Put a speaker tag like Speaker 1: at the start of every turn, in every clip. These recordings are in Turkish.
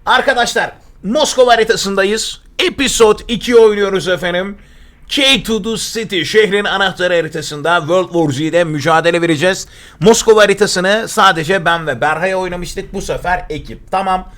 Speaker 1: Arkadaşlar Moskova haritasındayız. Episode 2 oynuyoruz efendim. K2 the City şehrin anahtarı haritasında World War Z'de mücadele vereceğiz. Moskova haritasını sadece ben ve Berhay oynamıştık. Bu sefer ekip. Tamam.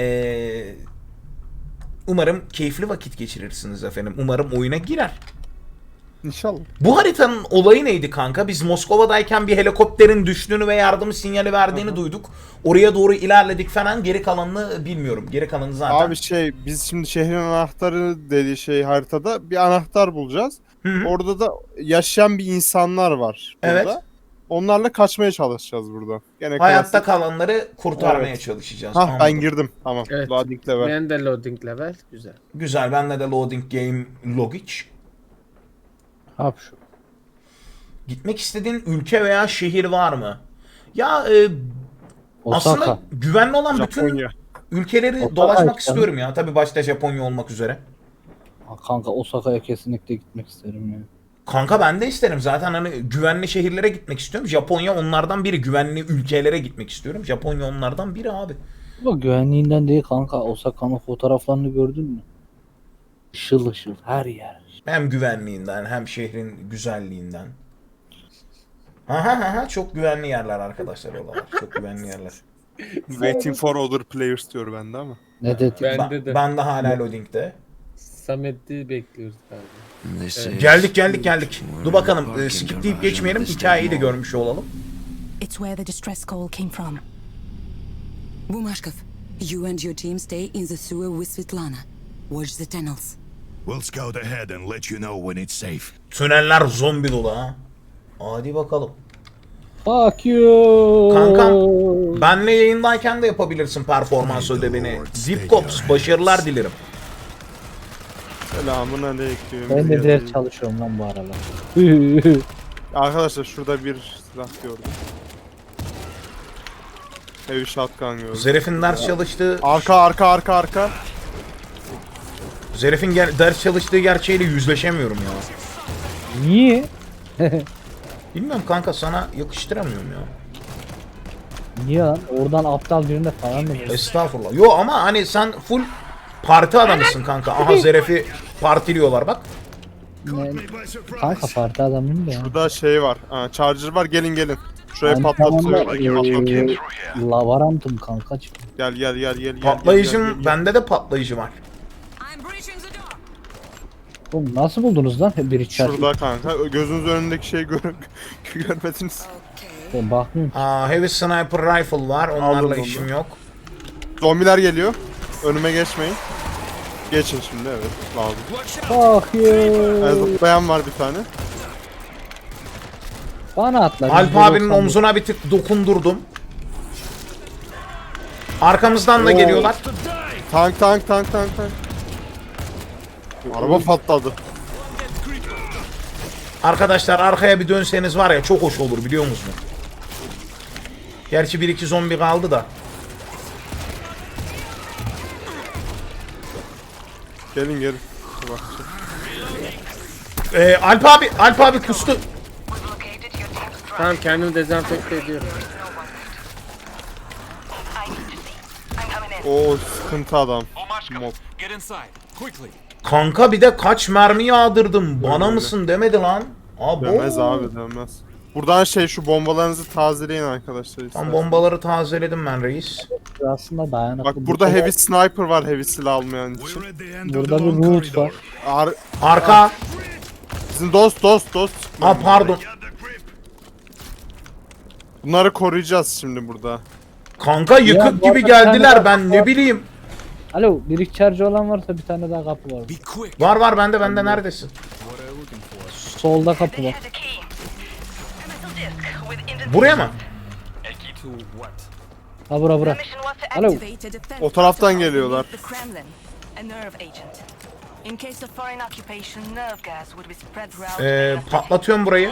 Speaker 1: Umarım keyifli vakit geçirirsiniz efendim. Umarım oyuna girer.
Speaker 2: İnşallah.
Speaker 1: Bu haritanın olayı neydi kanka? Biz Moskova'dayken bir helikopterin düştüğünü ve yardım sinyali verdiğini duyduk. Oraya doğru ilerledik falan. Geri kalanını bilmiyorum. Geri kalanı zaten.
Speaker 2: Abi biz şimdi şehrin anahtarı dediği haritada bir anahtar bulacağız.
Speaker 1: Hı-hı.
Speaker 2: Orada da yaşayan bir insanlar var burada.
Speaker 1: Evet.
Speaker 2: Onlarla kaçmaya çalışacağız burada. Gene
Speaker 1: Hayatta
Speaker 2: klasik.
Speaker 1: kalanları kurtarmaya
Speaker 2: Evet.
Speaker 1: çalışacağız.
Speaker 2: Hah, ben
Speaker 1: Anladım.
Speaker 2: girdim. Tamam.
Speaker 3: Evet.
Speaker 2: Loading level.
Speaker 3: Ben de loading level. Güzel.
Speaker 1: Güzel. Bende de loading game logic.
Speaker 3: Hap şu.
Speaker 1: Gitmek istediğin ülke veya şehir var mı? Ya
Speaker 4: Osaka.
Speaker 1: aslında güvenli olan bütün
Speaker 2: Japonya.
Speaker 1: ülkeleri
Speaker 4: Osaka
Speaker 1: dolaşmak
Speaker 4: işte.
Speaker 1: istiyorum ya. Tabii başta Japonya olmak üzere.
Speaker 4: Kanka Osaka'ya kesinlikle gitmek isterim ya.
Speaker 1: Kanka ben de isterim. Zaten hani güvenli şehirlere gitmek istiyorum. Japonya onlardan biri. Güvenli ülkelere gitmek istiyorum. Japonya onlardan biri abi.
Speaker 4: Bu güvenliğinden değil kanka. Osaka'nın fotoğraflarını gördün mü? Işıl ışıl her yer.
Speaker 1: Hem güvenliğinden hem şehrin güzelliğinden. Aha çok güvenli yerler arkadaşlar oralar. Çok güvenli yerler.
Speaker 2: Waiting for other players diyor bende ama.
Speaker 4: Ne dedi?
Speaker 3: Bende de.
Speaker 1: Ben de hala loading'de.
Speaker 3: Samet'i bekliyoruz galiba.
Speaker 1: Geldik. Dur bakalım. Skipleyip geçmeyelim. Hikayeyi de görmüş olalım.
Speaker 5: It's where the distress call came from. Bumashkov, you and your team stay in the sewer with Svetlana. Watch the tunnels.
Speaker 6: We'll scout ahead and let you know when it's safe.
Speaker 1: Tüneller zombi dolu ha. Hadi bakalım.
Speaker 4: Fuck you.
Speaker 1: Kankam benle yayındayken de yapabilirsin performans ödevini. Zipcops başarılar dilerim.
Speaker 2: Selamun aleyküm.
Speaker 4: Ben de ders çalışıyorum lan bu aralar.
Speaker 2: Arkadaşlar şurada bir silah gördüm. Heavy shotgun gördüm.
Speaker 1: Zeref'in ders çalıştığı...
Speaker 2: Arka.
Speaker 1: Zeref'in ders çalıştığı gerçeğiyle yüzleşemiyorum ya.
Speaker 4: Niye?
Speaker 1: Bilmiyorum kanka, sana yakıştıramıyorum ya.
Speaker 4: Niye lan? Oradan aptal birine falan mı?
Speaker 1: Estağfurullah. Yo ama hani sen full parti adamısın kanka. Aha Zeref'i partiliyorlar bak.
Speaker 4: Kanka parti adamıyım da ya.
Speaker 2: Burada var. Charger var. Gelin. Şuraya
Speaker 4: Ben
Speaker 2: patlatıyor.
Speaker 4: Lavarantım kanka.
Speaker 2: Gel.
Speaker 1: Patlayıcım, bende de patlayıcı var.
Speaker 5: I'm breaching the door.
Speaker 4: Oğlum nasıl buldunuz lan bir içeride?
Speaker 2: Şurada kanka. Gözünüz önündeki şeyi görmediniz.
Speaker 4: Ben bakmıyorum.
Speaker 1: Heavy Sniper Rifle var. Onlarla
Speaker 2: Aldım
Speaker 1: işim
Speaker 2: onu.
Speaker 1: yok.
Speaker 2: Zombiler geliyor. Önüme geçmeyin. Geçin şimdi, evet. Lazım.
Speaker 4: Fuck you.
Speaker 2: Zıplayan var bir tane.
Speaker 4: Bana atla.
Speaker 1: Alp abinin omzuna bir tık dokundurdum. Arkamızdan da geliyorlar.
Speaker 2: Tank. Araba patladı.
Speaker 1: Arkadaşlar arkaya bir dönseniz var ya çok hoş olur, biliyor musunuz? Gerçi 1-2 zombi kaldı da.
Speaker 2: Gelin. Bak.
Speaker 1: Alp abi kustu.
Speaker 3: Tamam, kendimi dezenfekte ediyorum.
Speaker 2: O sıkıntı adam. Mob.
Speaker 1: Kanka bir de kaç mermi yağdırdım. Bana
Speaker 2: Öyle.
Speaker 1: mısın demedi lan. Abo.
Speaker 2: Dönmez abi, dönmez. Buradan şu bombalarınızı tazeleyin arkadaşlar.
Speaker 1: Tam
Speaker 2: isterseniz.
Speaker 1: bombaları tazeledim ben reis.
Speaker 4: Aslında dayanıklı.
Speaker 2: Bak burada heavy sniper var, heavy silah almayan için.
Speaker 6: We're at the end of
Speaker 4: Burada
Speaker 6: the
Speaker 4: bir
Speaker 6: long
Speaker 4: root
Speaker 6: corridor.
Speaker 4: var.
Speaker 1: Arka.
Speaker 2: Bizim dost.
Speaker 1: Pardon.
Speaker 2: Bunları koruyacağız şimdi burada.
Speaker 1: Kanka yıkık
Speaker 4: Ya, bu
Speaker 1: gibi
Speaker 4: arada
Speaker 1: geldiler,
Speaker 4: sen de
Speaker 1: ben ne bileyim.
Speaker 4: Alo, bir içerci olan varsa bir tane daha kapı var.
Speaker 1: Var bende neredesin?
Speaker 4: Solda kapı var.
Speaker 1: Buraya mı?
Speaker 4: Ha bura. Alo.
Speaker 2: O taraftan geliyorlar.
Speaker 5: The Kremlin, a nerve agent. In case of foreign occupation, nerve gas would be spread throughout the
Speaker 1: Patlatıyorum burayı.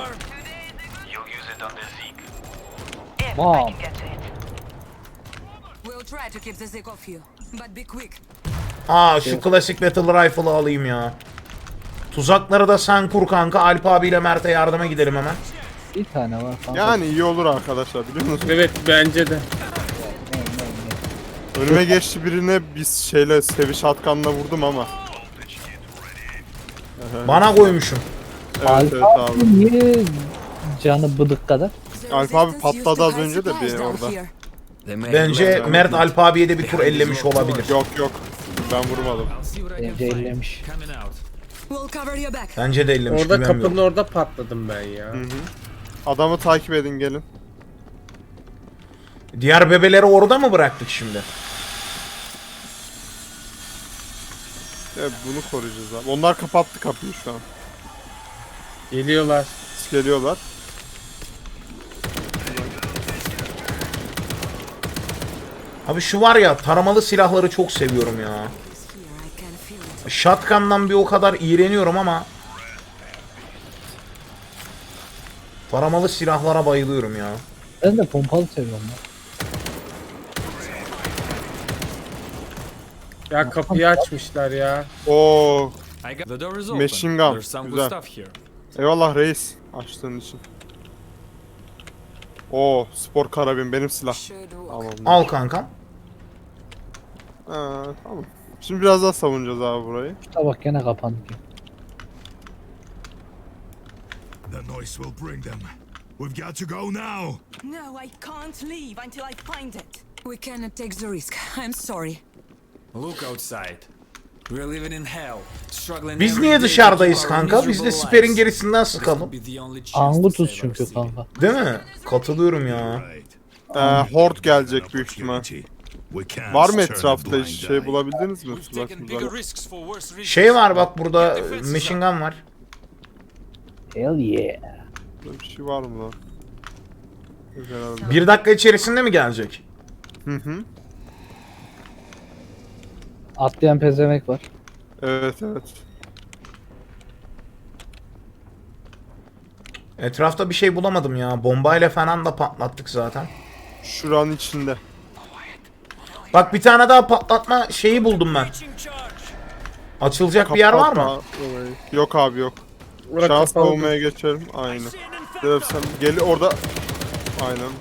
Speaker 5: if
Speaker 4: Wow.
Speaker 5: I can get to it. We'll try to keep the Zig off you, but be quick.
Speaker 1: Şu klasik battle rifle'ı alayım ya. Tuzakları da sen kur kanka. Alp abiyle Mert'e yardıma gidelim hemen.
Speaker 4: Bir tane var kanka.
Speaker 2: Yani iyi olur arkadaşlar, biliyor musunuz?
Speaker 3: Evet, bence de.
Speaker 2: Önüme geçti birine biz şeyle sevi shotgun'la vurdum ama.
Speaker 1: Bana koymuşum.
Speaker 2: Evet evet
Speaker 4: Alfa
Speaker 2: abi.
Speaker 4: niye canı bıdık kadar?
Speaker 2: Alp abi patladı az önce de bir orada.
Speaker 1: Bence Mert Alp abiye de bir tur ellemiş olabilir.
Speaker 2: Yok yok. Ben vurmadım.
Speaker 4: Bence ellemiş.
Speaker 5: We'll cover your back.
Speaker 1: Bence de ellemiş.
Speaker 3: Orada
Speaker 1: güvenmiyorum.
Speaker 3: kapının orada patladım ben ya.
Speaker 2: Adamı takip edin gelin.
Speaker 1: Diğer bebeleri orada mı bıraktık şimdi?
Speaker 2: Evet, bunu koruyacağız abi. Onlar kapattı kapıyı şu an.
Speaker 3: Geliyorlar.
Speaker 2: Geliyorlar.
Speaker 1: Abi şu var ya, taramalı silahları çok seviyorum ya.
Speaker 5: Here, I can feel it.
Speaker 1: Shotgun'dan bir o kadar iğreniyorum ama taramalı silahlara bayılıyorum ya.
Speaker 4: Ben de pompalı seviyorum lan.
Speaker 3: Ya kapıyı açmışlar ya.
Speaker 2: Oo,
Speaker 7: I got the door is open.
Speaker 2: Machine gun.
Speaker 7: There's some
Speaker 2: Güzel.
Speaker 7: good stuff here.
Speaker 2: eyvallah reis açtığın için. Oo, spor karabin benim silah.
Speaker 5: Should walk.
Speaker 2: Tamam.
Speaker 1: Al kankam.
Speaker 2: Tamam. Şimdi biraz daha savunacağız abi burayı.
Speaker 4: Şu tabak gene kapandı ki.
Speaker 6: The noise will bring them. We've got to go now.
Speaker 8: No, I can't leave until I find it.
Speaker 5: We cannot take the risk. I'm sorry.
Speaker 7: Look outside. We're living in hell. Struggling
Speaker 1: Biz
Speaker 7: every
Speaker 1: niye
Speaker 7: day to
Speaker 1: dışarıdayız
Speaker 7: keep our
Speaker 1: kanka? Biz de
Speaker 7: miserable
Speaker 1: siperin
Speaker 7: lives.
Speaker 1: gerisinden
Speaker 7: This
Speaker 1: sıkalım.
Speaker 7: could be the only chance to
Speaker 4: Angutuz
Speaker 7: save our
Speaker 4: çünkü
Speaker 7: city.
Speaker 4: kanka.
Speaker 1: Değil mi? Katılıyorum ya.
Speaker 6: Right.
Speaker 2: Horde gelecek büyük ihtimal.
Speaker 6: Opportunity. We can't
Speaker 2: Var mı
Speaker 6: turn a
Speaker 2: etrafta
Speaker 6: blind
Speaker 2: hiç şey
Speaker 6: eye.
Speaker 2: bulabildiniz mi?
Speaker 7: We've taken bigger
Speaker 2: Tuzak.
Speaker 7: risks for worse reasons.
Speaker 1: Şey var bak, burada machine gun var.
Speaker 4: Hell yeah.
Speaker 2: Böyle bir şey var mı lan? Yok herhalde.
Speaker 1: 1 dakika içerisinde mi gelecek?
Speaker 2: Hı hı.
Speaker 4: Atlayan pezevenk var.
Speaker 2: Evet evet.
Speaker 1: Etrafta bir şey bulamadım ya. Bombayla falan da patlattık zaten.
Speaker 2: Şuranın içinde.
Speaker 1: Bak, bir tane daha patlatma şeyi buldum ben. Açılacak bir yer var mı?
Speaker 2: Kapat orayı. Yok abi yok.
Speaker 3: Orada
Speaker 2: Şans
Speaker 3: kapalı.
Speaker 2: savunmaya geçelim. Aynen. Sen gel orada. Aynen.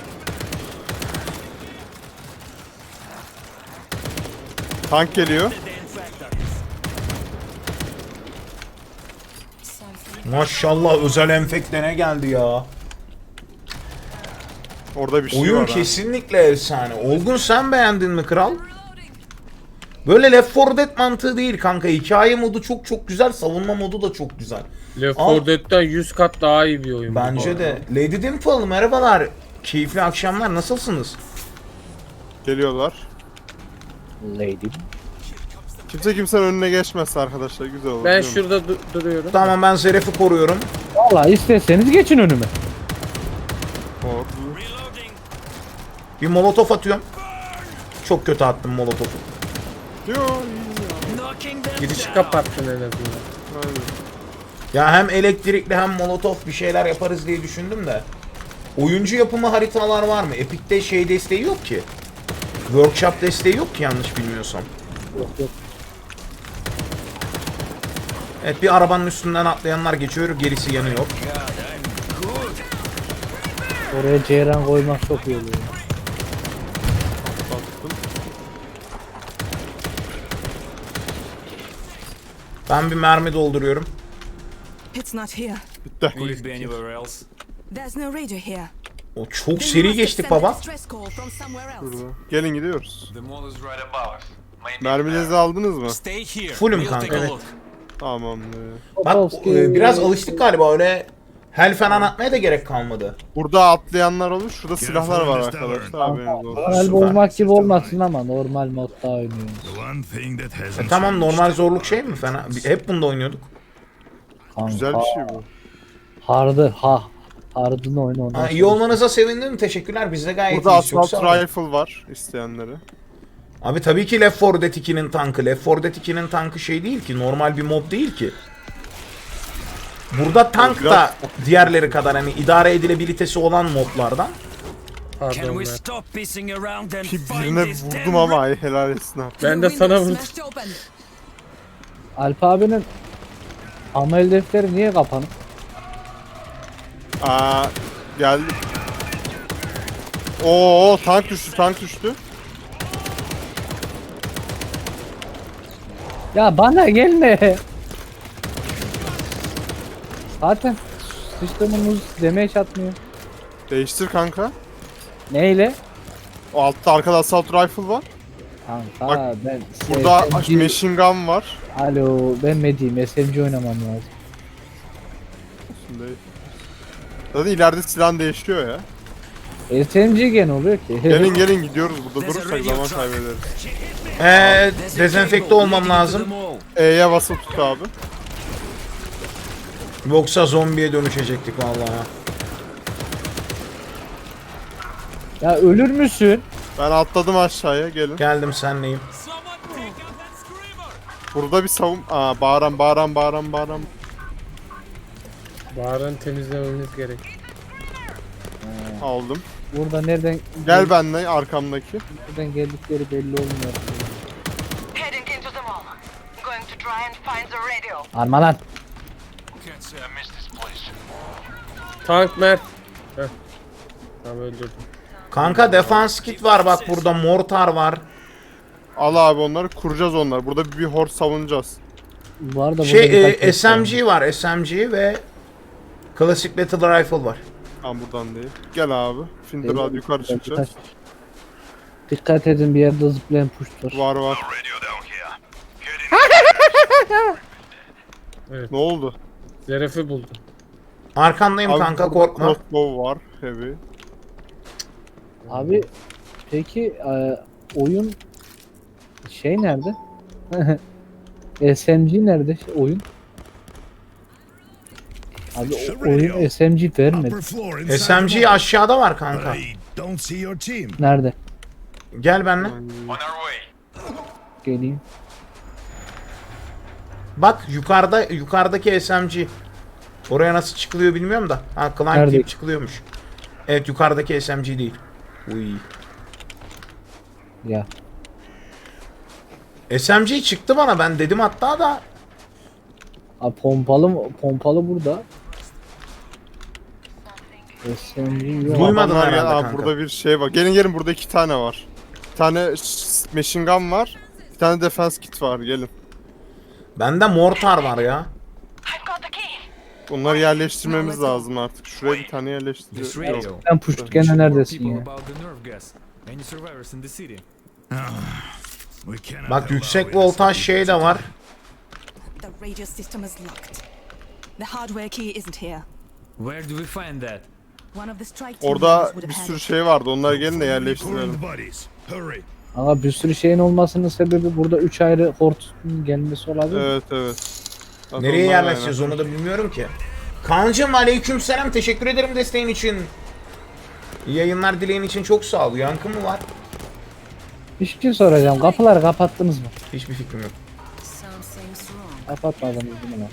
Speaker 2: Tank geliyor.
Speaker 1: Maşallah, özel enfekte ne geldi ya.
Speaker 2: Orada bir şey
Speaker 1: Oyun
Speaker 2: var. ha.
Speaker 1: kesinlikle efsane. Olgun, sen beğendin mi kral? Böyle Left 4 Dead mantığı değil kanka. Hikaye modu çok çok güzel. Savunma modu da çok güzel.
Speaker 3: Left
Speaker 1: Al.
Speaker 3: 4 Dead'den 100 kat daha iyi bir oyun. bu
Speaker 1: Bence
Speaker 3: arada.
Speaker 1: de. Lady Dimple merhabalar. Keyifli akşamlar. Nasılsınız?
Speaker 2: Geliyorlar.
Speaker 4: Lady.
Speaker 2: Kimse kimsenin önüne geçmezse arkadaşlar güzel olur.
Speaker 3: Ben
Speaker 2: değil mi?
Speaker 3: şurada duruyorum.
Speaker 1: Tamam, ben Zeref'i koruyorum.
Speaker 4: Valla isterseniz geçin önüme.
Speaker 2: Hop.
Speaker 1: Bir molotof atıyorum. Çok kötü attım molotofu.
Speaker 2: Yo,
Speaker 3: Girişi kapattın en azından.
Speaker 2: aynen.
Speaker 1: Ya hem elektrikli hem molotof bir şeyler yaparız diye düşündüm de. Oyuncu yapımı haritalar var mı? Epic'te şey desteği yok ki. Workshop desteği yok ki, yanlış bilmiyorsam.
Speaker 4: Yok yok.
Speaker 1: Evet, bir arabanın üstünden atlayanlar geçiyor, gerisi yanıyor.
Speaker 4: Oraya ceyran koymak çok iyi oluyor.
Speaker 1: Ben bir mermi dolduruyorum.
Speaker 8: It's not here.
Speaker 2: Bitti.
Speaker 7: Could it be anywhere else?
Speaker 8: There's no radio here.
Speaker 1: O çok
Speaker 8: They
Speaker 1: seri
Speaker 8: must have
Speaker 1: geçtik
Speaker 8: sent a
Speaker 1: baba.
Speaker 8: distress call from somewhere else.
Speaker 2: Burada. Gelin gidiyoruz.
Speaker 7: The mall is right above us. Maybe
Speaker 2: Mermilerinizi aldınız mı?
Speaker 7: stay here.
Speaker 1: Fullüm
Speaker 7: We'll
Speaker 1: kanka,
Speaker 7: take a
Speaker 1: evet.
Speaker 7: look.
Speaker 2: Tamam.
Speaker 1: Bak,
Speaker 4: Topolski.
Speaker 1: biraz alıştık galiba, öyle hel falan atmaya da gerek kalmadı.
Speaker 2: Burada atlayanlar olur. Şurada silahlar var arkadaşlar. Haberiniz olsun.
Speaker 4: Normal
Speaker 1: Süper.
Speaker 4: olmak gibi olmasın ama normal modda oynuyoruz.
Speaker 6: The one thing that hasn't
Speaker 1: Tamam,
Speaker 6: changed.
Speaker 1: normal zorluk şey mi? Fena. Hep bunda oynuyorduk.
Speaker 4: Kanka,
Speaker 2: Güzel bir şey bu.
Speaker 4: Hard'ını oyna ondan
Speaker 1: Ha, iyi
Speaker 4: sonra.
Speaker 1: olmanıza sevindim. Teşekkürler. Biz de gayet
Speaker 2: Burada
Speaker 1: iyiyiz. Çok
Speaker 2: Assault
Speaker 1: sağ olun.
Speaker 2: Rifle var isteyenlere.
Speaker 1: Abi tabii ki Left 4 Dead 2'nin tankı. Left 4 Dead 2'nin tankı şey değil ki. Normal bir mob değil ki. Burada tank da diğerleri kadar hani idare edilebilitesi olan moblardan.
Speaker 7: Can
Speaker 3: Pardon
Speaker 7: we
Speaker 3: ben.
Speaker 7: stop pissing around and
Speaker 2: Ki
Speaker 7: find
Speaker 2: birine
Speaker 7: this
Speaker 2: vurdum
Speaker 7: damn
Speaker 2: ama ay helal etsin abi.
Speaker 3: Ben de
Speaker 5: The
Speaker 3: sana
Speaker 5: window
Speaker 3: vurdum.
Speaker 5: smashed open.
Speaker 4: Alp abinin amel defteri niye kapanık?
Speaker 2: Geldi. Oo tank düştü tank düştü.
Speaker 4: Ya bana gelme. Zaten sistemimiz damage atmıyor.
Speaker 2: Değiştir kanka.
Speaker 4: Neyle?
Speaker 2: O altta arkada assault rifle var.
Speaker 4: Kanka
Speaker 2: Bak,
Speaker 4: ben
Speaker 2: Burada
Speaker 4: SMG
Speaker 2: machine gun var.
Speaker 4: Alo ben Medi'yim, SMG oynamam lazım.
Speaker 2: Şimdi... Zaten ileride silah değişiyor ya.
Speaker 4: SMG gene oluyor ki.
Speaker 2: Gelin gelin gidiyoruz, burada durursak zaman kaybederiz.
Speaker 1: Dezenfekte olmam lazım.
Speaker 2: E'ye basıp tut abi.
Speaker 1: Yoksa zombiye dönüşecektik vallahi.
Speaker 4: Ya ölür müsün?
Speaker 2: Ben atladım aşağıya, gelin.
Speaker 1: Geldim senleyim.
Speaker 2: Burada bir savun... Aa, bağıran.
Speaker 3: Bağıranı temizlememiz gerek.
Speaker 2: Aldım.
Speaker 4: Burada nereden
Speaker 2: Gel benimle, arkamdaki.
Speaker 4: nereden geldikleri belli olmuyor.
Speaker 8: Heading into the mall. Going to try and find the radio.
Speaker 4: Arma lan.
Speaker 3: Tank Mert. Heh. Tamam öldürdüm.
Speaker 1: Kanka defans kit var bak burada, mortar var.
Speaker 2: Al abi onları, kuracağız onları. Burada bir horde savunacağız.
Speaker 4: Bu arada burada
Speaker 1: Şey
Speaker 4: birkaç
Speaker 1: SMG var, SMG ve klasik battle rifle var.
Speaker 2: Tamam buradan değil. Gel abi. Finder hadi yukarı çıkacağız.
Speaker 4: Dikkat edin, bir yerde zıplayan push var.
Speaker 2: Var.
Speaker 3: Evet.
Speaker 2: Ne oldu?
Speaker 3: Zeref'i buldum.
Speaker 1: Arkandayım kanka,
Speaker 2: burada
Speaker 1: korkma.
Speaker 2: crossbow var. Heavy.
Speaker 4: Abi peki oyun şey nerede? SMG nerede oyun? Abi oyun SMG vermedi.
Speaker 6: Upper floor inside the
Speaker 1: SMG
Speaker 6: mall.
Speaker 1: aşağıda var
Speaker 6: But
Speaker 1: kanka.
Speaker 6: I don't see your team.
Speaker 4: Nerede?
Speaker 1: Gel benimle.
Speaker 4: Geleyim.
Speaker 1: Bak yukarıdaki SMG. Oraya nasıl çıkılıyor bilmiyorum da. Ha, climb
Speaker 4: Nerede?
Speaker 1: deyip çıkılıyormuş. Evet, yukarıdaki SMG değil. Uy.
Speaker 4: Ya.
Speaker 1: SMG çıktı bana, ben dedim hatta da.
Speaker 4: Abi pompalı burada. SMG yok.
Speaker 1: Duymadım
Speaker 2: Adamlar
Speaker 1: herhalde
Speaker 2: gel- Aa,
Speaker 1: kanka.
Speaker 2: burada bir şey var. Gelin burada 2 tane var. Bir tane machine gun var. Bir tane defense kit var. Gelin.
Speaker 1: Bende mortar var ya.
Speaker 8: I've got the key.
Speaker 2: Bunları yerleştirmemiz lazım artık. Şuraya bir tane
Speaker 7: This
Speaker 2: yerleştiriyoruz.
Speaker 7: radio.
Speaker 4: Sen push gene neredesin
Speaker 7: People
Speaker 4: ya?
Speaker 7: about the nerve gas. Any survivors in the city?
Speaker 6: We cannot
Speaker 1: Bak
Speaker 6: allow
Speaker 1: yüksek
Speaker 6: innocent
Speaker 1: voltaj
Speaker 6: people
Speaker 1: şey
Speaker 6: to
Speaker 1: de var.
Speaker 8: The radio system is locked. The hardware key isn't here.
Speaker 7: Where do we find that?
Speaker 8: One of the strike team
Speaker 2: Orada
Speaker 8: members would
Speaker 2: bir
Speaker 8: have had
Speaker 2: sürü
Speaker 8: it.
Speaker 2: şey vardı. Onları gelin de
Speaker 6: Pulling
Speaker 2: yerleştirelim.
Speaker 6: the bodies. Hurry.
Speaker 4: Ama bir sürü şeyin olmasının sebebi burada 3 ayrı hortun gelmesi olabilir.
Speaker 2: Evet. Zaten
Speaker 1: Nereye
Speaker 2: onlar
Speaker 1: yerleşeceğiz onu da bilmiyorum ki. Kaan'cım aleykümselam, teşekkür ederim desteğin için. İyi yayınlar dileğin için çok sağ ol. Yankı mı var?
Speaker 4: Bir şey soracağım. Kapıları kapattınız mı?
Speaker 1: Hiçbir fikrim yok.
Speaker 5: Something's wrong.
Speaker 4: Kapatmadınız değil mi lan?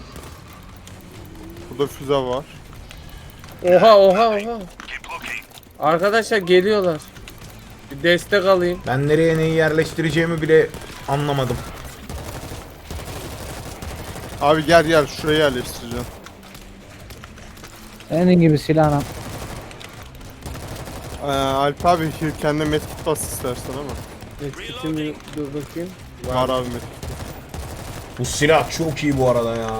Speaker 2: Burada füze var.
Speaker 3: Oha. Arkadaşlar geliyorlar. Bir destek alayım.
Speaker 1: Ben nereye neyi yerleştireceğimi bile anlamadım.
Speaker 2: Abi gel şuraya yerleştireceğim.
Speaker 4: Senin gibi silahla.
Speaker 2: Alp abi kendine medkit bas istersen ama.
Speaker 3: Medkit'imi dur bakayım.
Speaker 2: Var abi medkit.
Speaker 1: Bu silah çok iyi bu arada ya.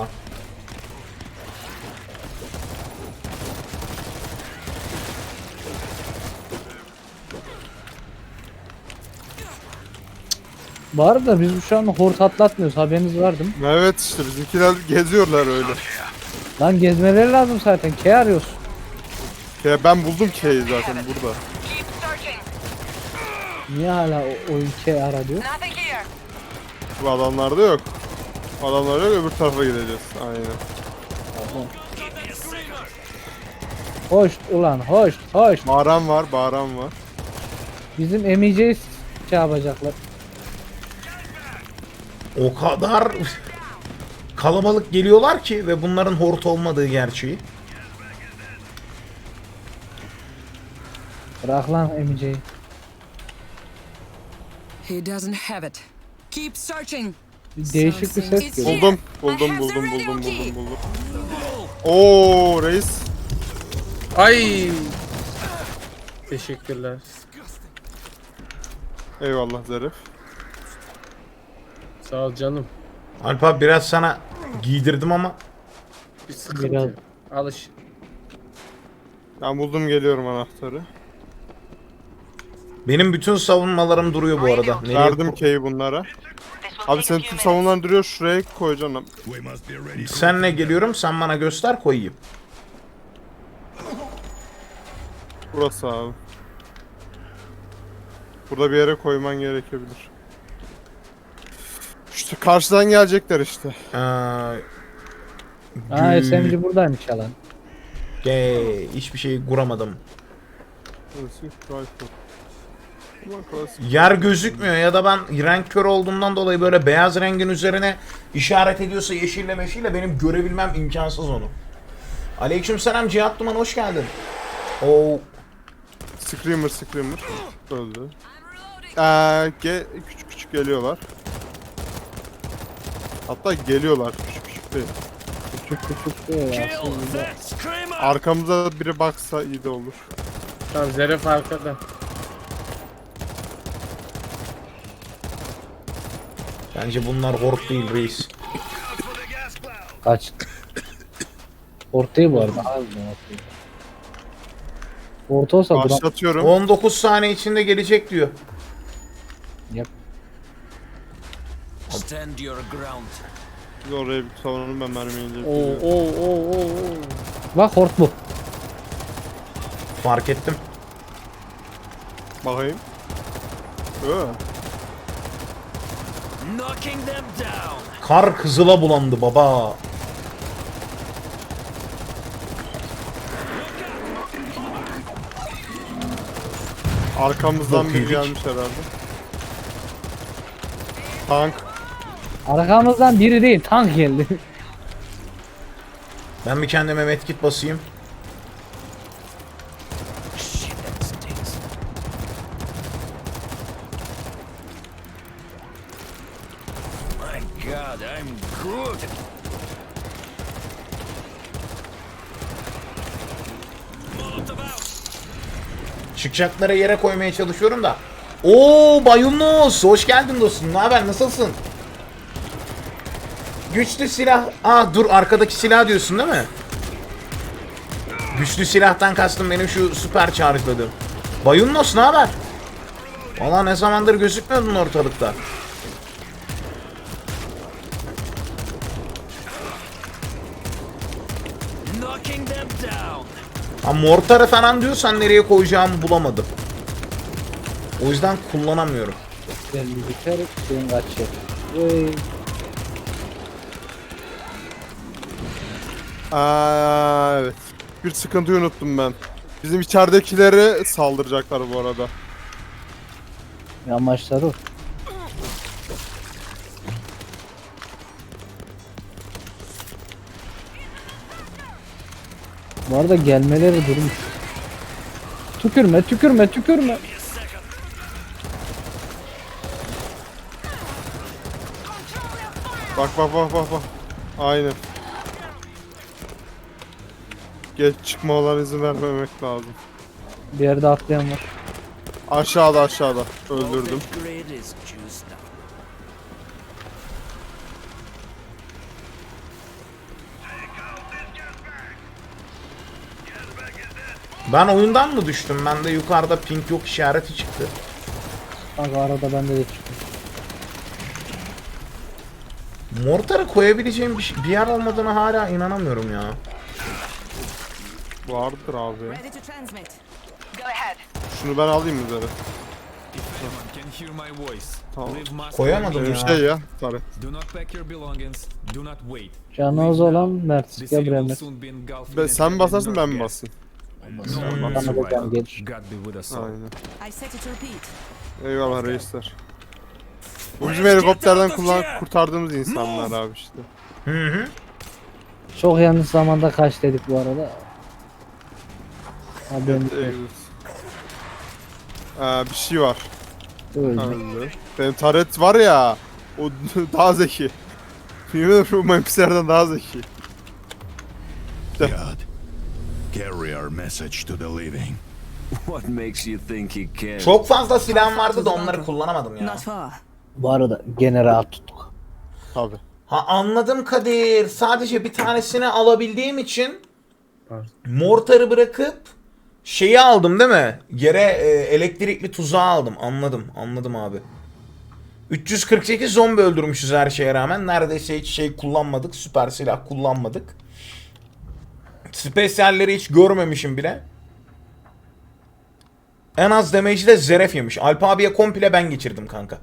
Speaker 4: Bu arada biz şu an hort atlatmıyoruz. Haberiniz var değil mi?
Speaker 2: Evet işte bizimkiler geziyorlar öyle.
Speaker 4: Lan gezmeleri lazım zaten. K arıyoruz.
Speaker 2: Ya ben buldum K'yi zaten burada.
Speaker 8: Keep searching.
Speaker 4: Niye hala oyun K ara diyor?
Speaker 8: Nothing here.
Speaker 2: Bu adamlarda yok. Adamlar yok, öbür tarafa gideceğiz. Aynen.
Speaker 4: Hoş ulan hoş.
Speaker 2: Bağıran var.
Speaker 4: Bizim emeceğiz şey yapacaklar.
Speaker 1: O kadar kalabalık geliyorlar ki ve bunların hort olmadığı gerçeği.
Speaker 4: Bırak lan emeceği.
Speaker 5: He doesn't have it. Keep searching.
Speaker 4: Değişik bir ses geliyor.
Speaker 2: Buldum. Oo reis.
Speaker 3: Ay. Teşekkürler.
Speaker 2: Eyvallah Zarif.
Speaker 3: Sağ ol canım.
Speaker 1: Alp abi biraz sana giydirdim ama
Speaker 3: Bir sıkıntı
Speaker 4: Biraz-
Speaker 3: yok. Alış.
Speaker 2: Ben buldum, geliyorum anahtarı.
Speaker 1: benim bütün savunmalarım duruyor bu arada. Nereye
Speaker 2: Verdim key'i bunlara. Abi senin tüm savunmaların duruyor, şuraya koyacaksın.
Speaker 6: We must be ready.
Speaker 1: Senle geliyorum, sen bana göster koyayım.
Speaker 2: Burası abi. Burada bir yere koyman gerekebilir. İşte karşıdan gelecekler işte.
Speaker 4: Ha SMG buradaymış yalan.
Speaker 1: Hiçbir şey kuramadım.
Speaker 2: Burası rifle. Ulan klasik.
Speaker 1: Yer gözükmüyor ya da ben renk kör olduğumdan dolayı böyle beyaz rengin üzerine işaret ediyorsa yeşille meşille benim görebilmem imkansız onu. Aleykümselam Cihat Duman, hoş geldin. Oo,
Speaker 2: Screamer öldü. Küçük küçük geliyorlar. Hatta geliyorlar, küçük küçük değil.
Speaker 4: Küçük küçük değil aslında.
Speaker 2: Arkamıza biri baksa iyi de olur.
Speaker 3: Tamam Zeref arkada.
Speaker 1: bence bunlar hort değil reis.
Speaker 4: Kaç. Ortayı bu arada. Harbiden ortayı. Orta olsa duran.
Speaker 2: Başlatıyorum.
Speaker 1: 19 saniye içinde gelecek diyor.
Speaker 4: Yap.
Speaker 7: Stand your ground.
Speaker 2: Biz oraya bir savunalım, ben mermiyi
Speaker 3: Oo
Speaker 2: inceledim.
Speaker 3: oo.
Speaker 4: Bak hort bu.
Speaker 1: Fark ettim.
Speaker 2: Bakayım.
Speaker 7: Knocking them down.
Speaker 1: Kar kızıla bulandı baba.
Speaker 2: Arkamızdan
Speaker 1: Yok,
Speaker 2: biri
Speaker 1: yedik.
Speaker 2: gelmiş herhalde. Tank.
Speaker 4: Arkamızdan biri değil tank geldi.
Speaker 1: Ben bir kendime medkit basayım.
Speaker 7: My God, I'm good.
Speaker 1: Çıkacakları yere koymaya çalışıyorum da. Oo Bayunus, hoş geldin dostum. Ne haber, nasılsın? Güçlü silah. Dur, arkadaki silah diyorsun değil mi? Güçlü silahtan kastım benim şu süper charge'ladığım. Bayunus ne haber? Valla ne zamandır gözükmüyordun ortalıkta.
Speaker 7: Knocking them down.
Speaker 1: Mortarı falan diyorsan nereye koyacağımı bulamadım. O yüzden kullanamıyorum.
Speaker 4: Ben bir biter şeyin kaçıyor. Vay.
Speaker 2: Evet. Bir sıkıntıyı unuttum ben. Bizim içeridekileri saldıracaklar bu arada.
Speaker 4: Amaçları o. Bu arada gelmeleri durmuş. Tükürme.
Speaker 2: Bak. Aynen. Geç çıkmalarına izin vermemek lazım.
Speaker 4: Bir yerde atlayan var.
Speaker 2: Aşağıda. Öldürdüm.
Speaker 7: Voltage grid is juiced up.
Speaker 1: Ben oyundan mı düştüm? Bende yukarıda pink yok işareti çıktı.
Speaker 4: Kanka arada bende de çıktı.
Speaker 1: Mortarı koyabileceğim bir yer olmadığına hala inanamıyorum ya.
Speaker 2: Vardır abi.
Speaker 8: Ready to transmit.
Speaker 2: Şunu ben alayım üzeri.
Speaker 7: If anyone can hear my voice,
Speaker 2: Tamam.
Speaker 7: leave mask
Speaker 1: Koyamadım
Speaker 2: Bir
Speaker 1: ya.
Speaker 2: şey ya. Taret.
Speaker 7: Do not pack your belongings. Do not wait.
Speaker 4: Canınız olan Mert.
Speaker 7: The
Speaker 4: Gel
Speaker 7: city
Speaker 4: buraya
Speaker 7: will
Speaker 4: Mert.
Speaker 7: soon be engulfed
Speaker 2: Sen
Speaker 7: in
Speaker 2: mi
Speaker 7: heavy
Speaker 2: basarsın ben mi
Speaker 7: gas.
Speaker 2: basayım?
Speaker 7: No
Speaker 4: Bana
Speaker 7: one
Speaker 4: da
Speaker 7: survived.
Speaker 4: can gelir.
Speaker 7: God be with us all.
Speaker 2: Aynen.
Speaker 8: I set it to repeat.
Speaker 2: Eyvallah reisler. Bu bizim helikopterden kurtardığımız insanlar abi işte.
Speaker 4: Çok yanlış zamanda kaç dedik bu arada. Haberim yok.
Speaker 2: Bir şey var.
Speaker 4: Öldü.
Speaker 2: Öldü. Benim taret var ya. O daha zeki. Yemin ederim şu mapslerden daha zeki.
Speaker 6: God. Carry our message to the living.
Speaker 7: What makes you think he cares?
Speaker 1: Çok fazla silahım vardı da onları kullanamadım ya.
Speaker 8: Not far.
Speaker 4: Bu arada gene rahat tuttuk.
Speaker 2: Tabi.
Speaker 1: Ha anladım Kadir. Sadece bir tanesini alabildiğim için
Speaker 3: Pardon.
Speaker 1: mortarı bırakıp şeyi aldım değil mi? Yere elektrikli tuzağı aldım. Anladım abi. 348 zombi öldürmüşüz her şeye rağmen. Neredeyse hiç şey kullanmadık. Süper silah kullanmadık. Spesyalleri hiç görmemişim bile. En az damage'i de Zeref yemiş. Alp abiye komple ben geçirdim kanka.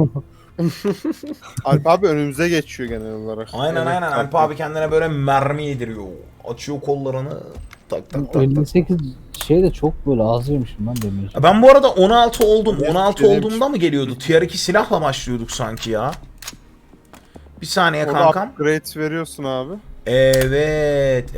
Speaker 2: Alp abi önümüze geçiyor genel olarak.
Speaker 1: Aynen
Speaker 2: Evet,
Speaker 1: Alp abi kendine böyle mermi yediriyor. Açıyor kollarını. Tak tak tak.
Speaker 4: 58 şey de çok böyle az yemişim ben demeyeceğim.
Speaker 1: Ben bu arada 16 oldum. 16
Speaker 2: Dedim.
Speaker 1: olduğumda mı geliyordu? Tier 2 silahla başlıyorduk sanki ya. Bir saniye
Speaker 2: Orada
Speaker 1: kankam.
Speaker 2: upgrade veriyorsun abi.
Speaker 1: Evet.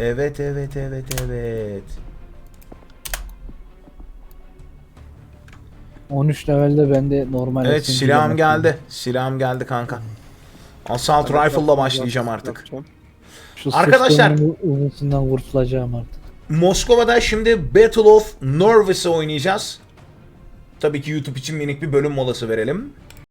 Speaker 4: 13 levelde bende normal
Speaker 1: Evet
Speaker 4: SMG
Speaker 1: silahım
Speaker 4: yemek
Speaker 1: geldi. Silahım geldi kanka. Assault Rifle'la başlayacağım artık.
Speaker 2: Yapacağım.
Speaker 4: Şu
Speaker 1: Arkadaşlar-
Speaker 4: sırtımın uzunsundan kurtulacağım artık.
Speaker 1: Moskova'da şimdi Battle of Norvis'i oynayacağız. Tabii ki YouTube için minik bir bölüm molası verelim.